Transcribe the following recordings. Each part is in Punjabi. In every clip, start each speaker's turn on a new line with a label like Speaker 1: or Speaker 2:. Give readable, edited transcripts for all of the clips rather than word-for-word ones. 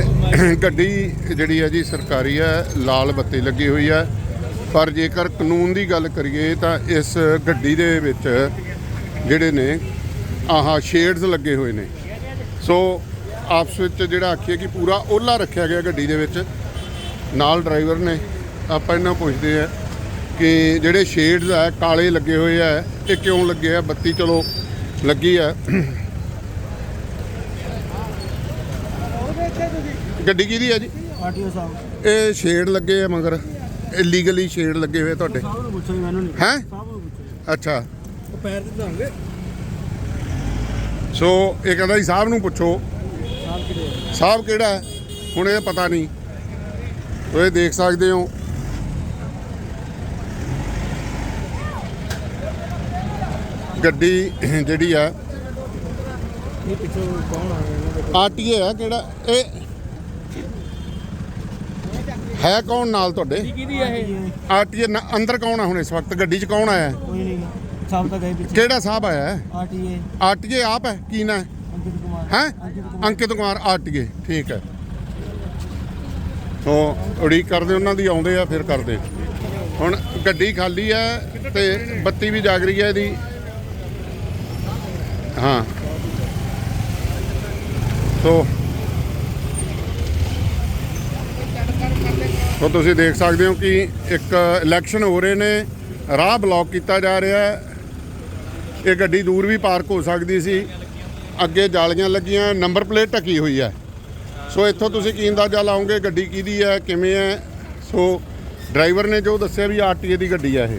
Speaker 1: ਗੱਡੀ ਜਿਹੜੀ ਹੈ ਜੀ ਸਰਕਾਰੀ ਹੈ, ਲਾਲ ਬੱਤੀ ਲੱਗੀ ਹੋਈ ਹੈ। ਪਰ ਜੇਕਰ ਕਾਨੂੰਨ ਦੀ ਗੱਲ ਕਰੀਏ ਤਾਂ ਇਸ ਗੱਡੀ ਦੇ ਵਿੱਚ ਜਿਹੜੇ ਨੇ ਆਹ ਸ਼ੇਡਸ ਲੱਗੇ ਹੋਏ ਨੇ। ਸੋ ਆਪਸ ਵਿੱਚ ਜਿਹੜਾ ਆਖੀਏ ਕਿ ਪੂਰਾ ਓਲਾ ਰੱਖਿਆ ਗਿਆ ਗੱਡੀ ਦੇ ਵਿੱਚ। ਨਾਲ ਡਰਾਈਵਰ ਨੇ, ਆਪਾਂ ਇਹਨਾਂ ਪੁੱਛਦੇ ਆ ਕਿ ਜਿਹੜੇ ਸ਼ੇਡਸ ਆ ਕਾਲੇ ਲੱਗੇ ਹੋਏ ਆ, ਇਹ ਕਿਉਂ ਲੱਗੇ ਆ? ਬੱਤੀ ਚਲੋ ਲੱਗੀ ਆ। ਗੱਡੀ ਕਿਹਦੀ ਹੈ ਜੀ?
Speaker 2: ਆਰਟੀਓ ਸਾਹਿਬ।
Speaker 1: ਇਹ ਸ਼ੇਡ ਲੱਗੇ ਆ ਮਗਰ ਇਲੀਗਲੀ ਸ਼ੇਡ ਲੱਗੇ ਹੋਏ ਤੁਹਾਡੇ?
Speaker 2: ਸਾਹਿਬ ਨੂੰ ਪੁੱਛੋ, ਮੈਨੂੰ ਨਹੀਂ।
Speaker 1: ਹੈਂ?
Speaker 2: ਸਾਹਿਬ ਨੂੰ ਪੁੱਛੋ।
Speaker 1: ਅੱਛਾ,
Speaker 2: ਉਹ ਪੈਰ ਤੇ ਧਾਂਗੇ।
Speaker 1: ਸੋ ਇਹ ਕਹਿੰਦਾ ਜੀ ਸਾਹਿਬ ਨੂੰ ਪੁੱਛੋ।
Speaker 2: ਸਾਹਿਬ ਕਿਹੜੇ?
Speaker 1: ਸਾਹਿਬ ਕਿਹੜਾ ਹੈ ਹੁਣ ਇਹ ਪਤਾ ਨਹੀਂ। ਤੁਸੀਂ ਦੇਖ ਸਕਦੇ ਹੋ ਗੱਡੀ ਜਿਹੜੀ ਆ
Speaker 2: ਇਹ ਪਿੱਛੋਂ ਕੌਣ ਆ ਰਿਹਾ?
Speaker 1: ਆਰਟੀਏ ਆ ਕਿਹੜਾ? ਇਹ ਹੈ ਕੌਣ ਨਾਲ ਤੁਹਾਡੇ?
Speaker 2: ਕਿਹਦੀ ਆ ਇਹ?
Speaker 1: ਆਰਟੀਏ ਅੰਦਰ ਕੌਣ ਆ ਹੁਣ ਇਸ ਵਕਤ? ਗੱਡੀ 'ਚ ਕੌਣ ਆਇਆ ਹੈ?
Speaker 2: ਕੋਈ ਨਹੀਂ। ਸਾਹਿਬ ਤਾਂ ਗਏ ਪਿੱਛੇ।
Speaker 1: ਕਿਹੜਾ ਸਾਹਿਬ ਆਇਆ ਹੈ?
Speaker 2: ਆਰਟੀਏ
Speaker 1: ਆਰਟੀਏ ਆਪ ਹੈ? ਕੀ ਨਾਂ ਹੈ?
Speaker 2: ਅੰਕਿਤ ਕੁਮਾਰ।
Speaker 1: ਹੈ ਅੰਕਿਤ ਕੁਮਾਰ ਆਰਟੀਏ, ਠੀਕ ਹੈ। ਸੋ ਉਡੀਕ ਕਰਦੇ ਉਹਨਾਂ ਦੀ, ਆਉਂਦੇ ਆ ਫਿਰ ਕਰਦੇ। ਹੁਣ ਗੱਡੀ ਖਾਲੀ ਹੈ ਤੇ ਬੱਤੀ ਵੀ ਜਾਗ ਰਹੀ ਹੈ ਇਹਦੀ। ਹਾਂ, ਸੋ ਤੁਸੀਂ ਦੇਖ ਸਕਦੇ ਹੋ ਕਿ ਇੱਕ ਇਲੈਕਸ਼ਨ ਹੋ ਰਹੇ ਨੇ, ਰਾਹ ਬਲੌਕ ਕੀਤਾ ਜਾ ਰਿਹਾ ਹੈ। ਇਹ ਗੱਡੀ ਦੂਰ ਵੀ ਪਾਰਕ ਹੋ ਸਕਦੀ ਸੀ। ਅੱਗੇ ਜਾਲੀਆਂ ਲੱਗੀਆਂ, ਨੰਬਰ ਪਲੇਟ ਢਕੀ ਹੋਈ ਹੈ। ਸੋ ਇੱਥੋਂ ਤੁਸੀਂ ਕੀ ਅੰਦਾਜ਼ਾ ਲਾਓਗੇ ਗੱਡੀ ਕਿਹਦੀ ਹੈ, ਕਿਵੇਂ ਹੈ? ਸੋ ਡਰਾਈਵਰ ਨੇ ਜੋ ਦੱਸਿਆ ਵੀ ਆਰਟੀਏ ਦੀ ਗੱਡੀ ਹੈ ਇਹ।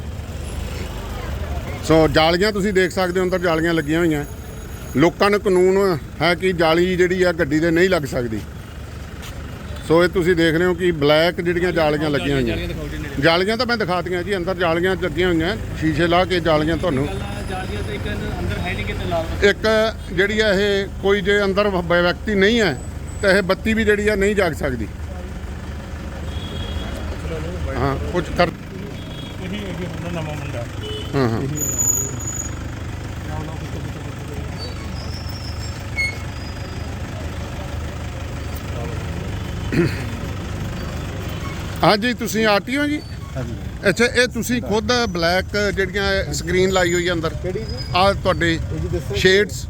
Speaker 1: ਸੋ ਜਾਲੀਆਂ ਤੁਸੀਂ ਦੇਖ ਸਕਦੇ ਹੋ, ਅੰਦਰ ਜਾਲੀਆਂ ਲੱਗੀਆਂ ਹੋਈਆਂ। ਲੋਕਾਂ ਨੂੰ ਕਾਨੂੰਨ ਹੈ ਕਿ ਜਾਲੀ ਜਿਹੜੀ ਆ ਗੱਡੀ ਦੇ ਨਹੀਂ ਲੱਗ ਸਕਦੀ। ਸੋ ਇਹ ਤੁਸੀਂ ਦੇਖ ਰਹੇ ਹੋ ਕਿ ਬਲੈਕ ਜਿਹੜੀਆਂ ਜਾਲੀਆਂ ਲੱਗੀਆਂ ਹੋਈਆਂ। ਜਾਲੀਆਂ ਤਾਂ ਮੈਂ ਦਿਖਾਤੀਆਂ ਜੀ, ਅੰਦਰ ਜਾਲੀਆਂ ਲੱਗੀਆਂ ਹੋਈਆਂ, ਸ਼ੀਸ਼ੇ ਲਾ ਕੇ ਜਾਲੀਆਂ ਤੁਹਾਨੂੰ। ਇੱਕ ਜਿਹੜੀ ਆ ਇਹ ਕੋਈ ਜੇ ਅੰਦਰ ਵਿਅਕਤੀ ਨਹੀਂ ਹੈ ਤਾਂ ਇਹ ਬੱਤੀ ਵੀ ਜਿਹੜੀ ਆ ਨਹੀਂ ਜਾਗ ਸਕਦੀ। ਹਾਂ, ਕੁਝ ਕਰ। ਹਾਂ ਹਾਂ, ਹਾਂਜੀ ਤੁਸੀਂ ਆਰਟੀਓ ਜੀ?
Speaker 3: ਹਾਂਜੀ।
Speaker 1: ਅੱਛਾ, ਇਹ ਤੁਸੀਂ ਖੁਦ ਬਲੈਕ ਜਿਹੜੀਆਂ ਸਕਰੀਨ ਲਾਈ ਹੋਈ ਹੈ ਅੰਦਰ,
Speaker 3: ਕਿਹੜੀ ਜੀ?
Speaker 1: ਆਹ ਤੁਹਾਡੇ
Speaker 3: ਜੀ ਦੱਸੋ।
Speaker 1: ਸ਼ੇਡਸ?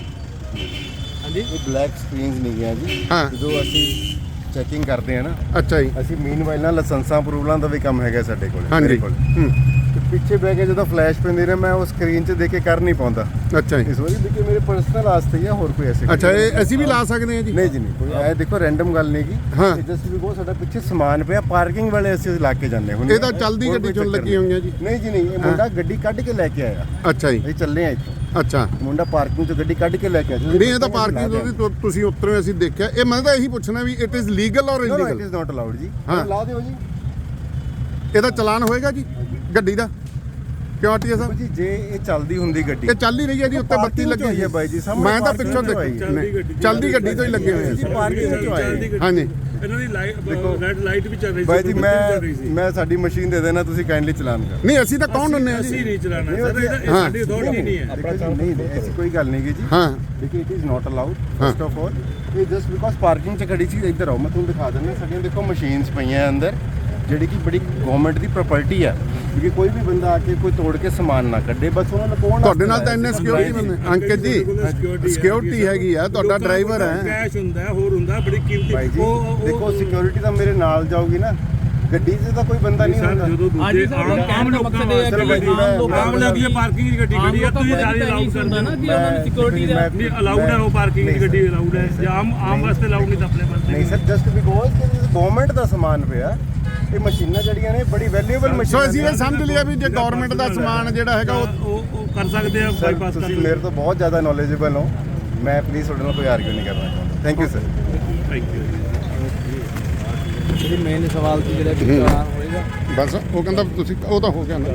Speaker 3: ਹਾਂਜੀ, ਇਹ ਬਲੈਕ ਸਕਰੀਨਸ ਨਹੀਂ ਗਿਆ ਜੀ।
Speaker 1: ਹਾਂ।
Speaker 3: ਜਦੋਂ ਅਸੀਂ ਚੈਕਿੰਗ ਕਰਦੇ ਆ ਨਾ,
Speaker 1: ਅੱਛਾ ਜੀ।
Speaker 3: ਅਸੀਂ ਮੀਨਵਾਈਲ ਨਾਲ ਲਾਇਸੈਂਸਾਂ ਅਪਰੂਵਲਾਂ ਦਾ ਵੀ ਕੰਮ ਹੈਗਾ ਸਾਡੇ ਕੋਲ।
Speaker 1: ਹਾਂਜੀ।
Speaker 3: ਮੇਰੇ ਕੋਲ ਤੇ ਪਿੱਛੇ ਬਹਿ ਕੇ ਜਦੋਂ ਫਲੈਸ਼ ਪੈਂਦੀ ਨੇ, ਮੈਂ ਉਹ ਸਕਰੀਨ 'ਚ ਦੇਖ ਕੇ ਕਰ ਨਹੀਂ ਪਾਉਂਦਾ।
Speaker 1: ਅੱਛਾ ਜੀ।
Speaker 3: ਇਸ ਵਾਰੀ ਦੇਖੀ ਮੇਰੇ ਪਰਸਨਲ ਵਾਸਤੇ ਹੀ ਆ, ਹੋਰ ਕੋਈ ਐਸੀ
Speaker 1: ਅੱਛਾ, ਇਹ ਅਸੀਂ ਵੀ ਲਾ ਸਕਦੇ ਹਾਂ ਜੀ?
Speaker 3: ਨਹੀਂ ਜੀ, ਨਹੀਂ ਕੋਈ ਐ ਦੇਖੋ ਰੈਂਡਮ ਗੱਲ ਨਹੀਂ ਗੀ।
Speaker 1: ਹਾਂ।
Speaker 3: ਜਸਟ ਵੀ ਸਾਡਾ ਪਿੱਛੇ ਸਮਾਨ ਪਿਆ, ਪਾਰਕਿੰਗ ਵਾਲੇ ਅਸੀਂ ਲਾ ਕੇ ਜਾਂਦੇ ਹੁਣ।
Speaker 1: ਇਹ ਤਾਂ ਚੱਲਦੀ ਗੱਡੀ 'ਚੋਂ ਲੱਗੀ ਹੋਈਆਂ ਜੀ?
Speaker 3: ਨਹੀਂ ਜੀ, ਨਹੀਂ। ਇਹ ਮੁੰਡਾ ਗੱਡੀ ਕੱਢ ਕੇ ਲੈ ਕੇ ਆਇਆ।
Speaker 1: ਅੱਛਾ ਜੀ।
Speaker 3: ਅਸੀਂ ਚੱਲੇ ਆ ਇੱਥੋਂ।
Speaker 1: ਅੱਛਾ,
Speaker 3: ਮੁੰਡਾ ਪਾਰਕਿੰਗ 'ਚੋਂ ਗੱਡੀ ਕੱਢ ਕੇ ਲੈ ਕੇ ਆਇਆ।
Speaker 1: ਨਹੀਂ ਇਹ ਤਾਂ ਪਾਰਕਿੰਗ ਤੋਂ ਤੁਸੀਂ ਉਤਰੇ, ਅਸੀਂ ਦੇਖਿਆ। ਇਹ ਮੈਂ ਤਾਂ ਇਹੀ ਪੁੱਛਣਾ ਵੀ it is legal or
Speaker 3: it
Speaker 1: illegal?
Speaker 3: Is not allowed ਜੀ।
Speaker 1: ਹਾਂ।
Speaker 3: ਲਾ ਦਿਓ ਜੀ।
Speaker 1: ਇਹਦਾ ਚਲਾਨ ਹੋਏਗਾ ਜੀ ਗੱਡੀ ਦਾ? ਕਿਉਂ ਆਰਟੀਏ ਸਾਹਿਬ?
Speaker 3: ਜੀ ਜੇ ਇਹ ਚੱਲਦੀ ਹੁੰਦੀ ਗੱਡੀ,
Speaker 1: ਇਹ ਚੱਲ ਹੀ ਰਹੀ ਹੈ ਜੀ, ਉੱਤੇ ਬੱਤੀ ਲੱਗੀ ਹੋਈ ਹੈ
Speaker 3: ਬਾਈ ਜੀ।
Speaker 1: ਮੈਂ ਤਾਂ ਪਿੱਛੋਂ ਦੇਖੀ ਚੱਲਦੀ ਗੱਡੀ ਤੋਂ ਹੀ ਲੱਗੇ ਹੋਏ
Speaker 3: ਜੀ, ਪਾਰਕਿੰਗ ਵਿੱਚ ਆਏ।
Speaker 1: ਹਾਂਜੀ।
Speaker 4: ਇਹਨਾਂ ਦੀ ਰੈਡ ਲਾਈਟ ਵੀ ਚੱਲ ਰਹੀ ਸੀ
Speaker 3: ਬਾਈ ਜੀ, ਮੈਂ ਸਾਡੀ ਮਸ਼ੀਨ ਦੇ ਦੇਣਾ, ਤੁਸੀਂ ਕਾਈਂਡਲੀ ਚਲਾਨ ਕਰੋ।
Speaker 1: ਨਹੀਂ ਅਸੀਂ ਤਾਂ ਕੌਣ ਹੁੰਨੇ ਆ
Speaker 4: ਅਸੀਂ
Speaker 1: ਜੀ?
Speaker 4: ਨਹੀਂ ਚਲਾਣਾ ਸਰ, ਇਹ ਸਾਡੀ ਅਥਾਰਟੀ ਨਹੀਂ ਹੈ।
Speaker 3: ਨਹੀਂ, ਐਸੀ ਕੋਈ ਗੱਲ ਨਹੀਂ ਜੀ।
Speaker 1: ਹਾਂ।
Speaker 3: ਦੇਖੋ it is not allowed first of all. ਇਹ ਜਸਟ ਬਿਕੋਜ਼ ਪਾਰਕਿੰਗ 'ਚ ਖੜੀ ਸੀ। ਇੱਧਰ ਆਓ, ਮੈਂ ਤੁਹਾਨੂੰ ਦਿਖਾ ਦਿੰਦਾ। ਸਾਡੀਆਂ ਦੇਖੋ ਮਸ਼ੀਨਸ ਪਈਆਂ ਅੰਦਰ, ਜਿਹੜੀ ਕਿ ਬੜੀ ਗਵਰਨਮੈਂਟ ਦੀ ਪ੍ਰਾਪਰਟੀ ਹੈ। ਕਿ ਕੋਈ ਵੀ ਬੰਦਾ ਆ ਕੇ ਕੋਈ ਤੋੜ ਕੇ ਸਮਾਨ ਨਾ ਕੱਢੇ। ਬਸ ਉਹਨਾਂ ਨੂੰ ਕੋਣ
Speaker 1: ਤੁਹਾਡੇ ਨਾਲ ਤਾਂ ਇੰਨੇ ਸਿਕਿਉਰਿਟੀ ਬੰਦੇ ਅੰਕਿਤ ਜੀ, ਸਿਕਿਉਰਿਟੀ ਹੈਗੀ ਆ, ਤੁਹਾਡਾ ਡਰਾਈਵਰ ਹੈ।
Speaker 4: ਕੈਸ਼ ਹੁੰਦਾ, ਹੋਰ ਹੁੰਦਾ, ਬੜੀ ਕੀਮਤੀ।
Speaker 3: ਭਾਈ ਜੀ ਦੇਖੋ, ਸਿਕਿਉਰਿਟੀ ਤਾਂ ਮੇਰੇ ਨਾਲ ਜਾਊਗੀ ਨਾ, ਗੱਡੀ 'ਚ ਤਾਂ ਕੋਈ ਬੰਦਾ ਨਹੀਂ ਹੁੰਦਾ।
Speaker 4: ਜਦੋਂ ਦੂਜੇ ਆਮ ਲੋਕਾਂ ਆਮ ਲੱਗੀ ਪਾਰਕਿੰਗ ਦੀ ਗੱਡੀ ਖੜੀ ਆ, ਤੁਸੀਂ ਜਾਲੀ ਅਲਾਉਡ ਕਰਦੇ ਨਾ ਕਿ ਉਹਨਾਂ ਦੀ ਸਿਕਿਉਰਿਟੀ ਦਾ ਨਹੀਂ ਅਲਾਉਡ ਹੈ। ਉਹ ਪਾਰਕਿੰਗ ਦੀ ਗੱਡੀ ਅਲਾਉਡ ਹੈ ਜਾਂ ਆਮ ਵਾਸਤੇ ਅਲਾਉਡ ਨਹੀਂ ਤਾਂ ਆਪਣੇ ਵਾਸਤੇ
Speaker 3: ਨਹੀਂ ਸਰ, ਜਸਟ ਬਿਕੋਜ਼ ਗਵਰਨਮੈਂਟ ਦਾ ਸਮਾਨ ਪਿਆ। ਇਹ ਮਸ਼ੀਨਾਂ ਜਿਹੜੀਆਂ ਨੇ ਬੜੀ ਵੈਲਿਊਏਬਲ ਮਸ਼ੀਨਾਂ।
Speaker 1: ਸੋ ਅਸੀਂ ਇਹ ਸਮਝ ਲਿਆ ਵੀ ਜੇ ਗਵਰਨਮੈਂਟ ਦਾ ਸਮਾਨ ਜਿਹੜਾ ਹੈਗਾ
Speaker 4: ਉਹ ਕਰ ਸਕਦੇ ਆ, ਬਾਈਪਾਸ ਕਰ
Speaker 3: ਤੁਸੀਂ ਮੇਰੇ ਤੋਂ ਬਹੁਤ ਜ਼ਿਆਦਾ ਨੌਲੇਜੇਬਲ ਹੋ। ਮੈਂ ਪਲੀਜ਼ ਤੁਹਾਡੇ ਨਾਲ ਕੋਈ ਆਰਗੂ ਨਹੀਂ ਕਰਨਾ ਚਾਹੁੰਦਾ। Thank you sir.
Speaker 4: Thank you.
Speaker 2: ਜਿਹੜੀ ਮੇਨ ਸਵਾਲ ਸੀ ਜਿਹੜਾ ਕਿ ਚਲਾਨ ਹੋਏਗਾ,
Speaker 1: ਬਸ ਉਹ ਕਹਿੰਦਾ ਤੁਸੀਂ, ਉਹ ਤਾਂ ਹੋ ਗਿਆ ਨਾ।